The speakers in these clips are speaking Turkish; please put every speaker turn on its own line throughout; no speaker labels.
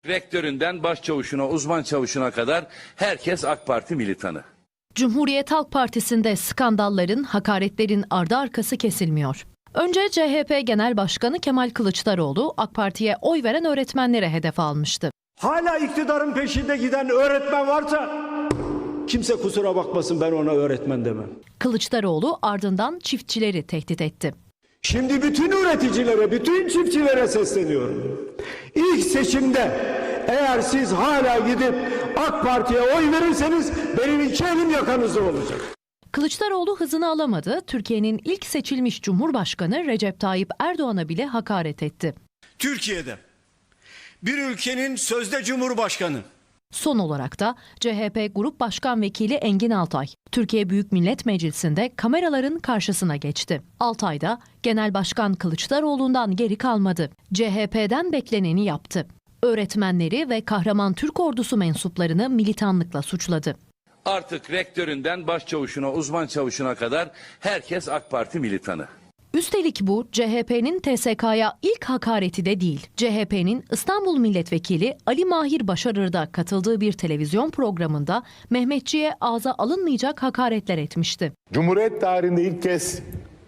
Rektöründen başçavuşuna, uzman çavuşuna kadar herkes AK Parti militanı.
Cumhuriyet Halk Partisi'nde skandalların, hakaretlerin ardı arkası kesilmiyor. Önce CHP Genel Başkanı Kemal Kılıçdaroğlu AK Parti'ye oy veren öğretmenlere hedef almıştı.
Hala iktidarın peşinde giden öğretmen varsa kimse kusura bakmasın, ben ona öğretmen demem.
Kılıçdaroğlu ardından çiftçileri tehdit etti.
Şimdi bütün üreticilere, bütün çiftçilere sesleniyorum. İlk seçimde eğer siz hala gidip AK Parti'ye oy verirseniz benim iki elim yakanızda olacak.
Kılıçdaroğlu hızını alamadı. Türkiye'nin ilk seçilmiş Cumhurbaşkanı Recep Tayyip Erdoğan'a bile hakaret etti.
Türkiye'de bir ülkenin sözde Cumhurbaşkanı,
Son olarak da CHP Grup Başkan Vekili Engin Altay, Türkiye Büyük Millet Meclisi'nde kameraların karşısına geçti. Altay da Genel Başkan Kılıçdaroğlu'ndan geri kalmadı. CHP'den bekleneni yaptı. Öğretmenleri ve Kahraman Türk Ordusu mensuplarını militanlıkla suçladı.
Artık rektöründen başçavuşuna, uzman çavuşuna kadar herkes AK Parti militanı.
Üstelik bu CHP'nin TSK'ya ilk hakareti de değil. CHP'nin İstanbul Milletvekili Ali Mahir Başarır'da katıldığı bir televizyon programında Mehmetçiğe ağza alınmayacak hakaretler etmişti.
Cumhuriyet tarihinde ilk kez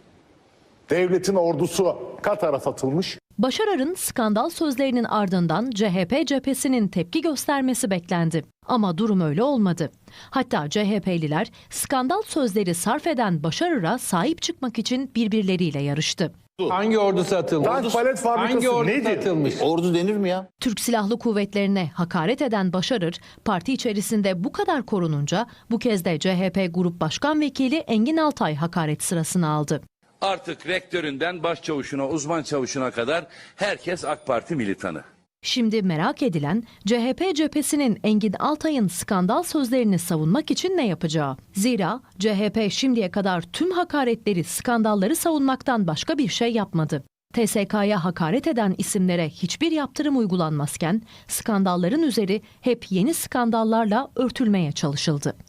devletin ordusu Katar'a satılmış.
Başarır'ın skandal sözlerinin ardından CHP cephesinin tepki göstermesi beklendi. Ama durum öyle olmadı. Hatta CHP'liler skandal sözleri sarf eden Başarır'a sahip çıkmak için birbirleriyle yarıştı.
Hangi ordu satılmış?
Tank palet fabrikası
Hangi ordu
nedir?
satılmış?
Ordu denir mi ya?
Türk Silahlı Kuvvetlerine hakaret eden Başarır, parti içerisinde bu kadar korununca bu kez de CHP Grup Başkan Vekili Engin Altay hakaret sırasını aldı.
Artık rektöründen başçavuşuna, uzman çavuşuna kadar herkes AK Parti militanı.
Şimdi merak edilen CHP cephesinin Engin Altay'ın skandal sözlerini savunmak için ne yapacağı. Zira CHP şimdiye kadar tüm hakaretleri, skandalları savunmaktan başka bir şey yapmadı. TSK'ya hakaret eden isimlere hiçbir yaptırım uygulanmazken skandalların üzeri hep yeni skandallarla örtülmeye çalışıldı.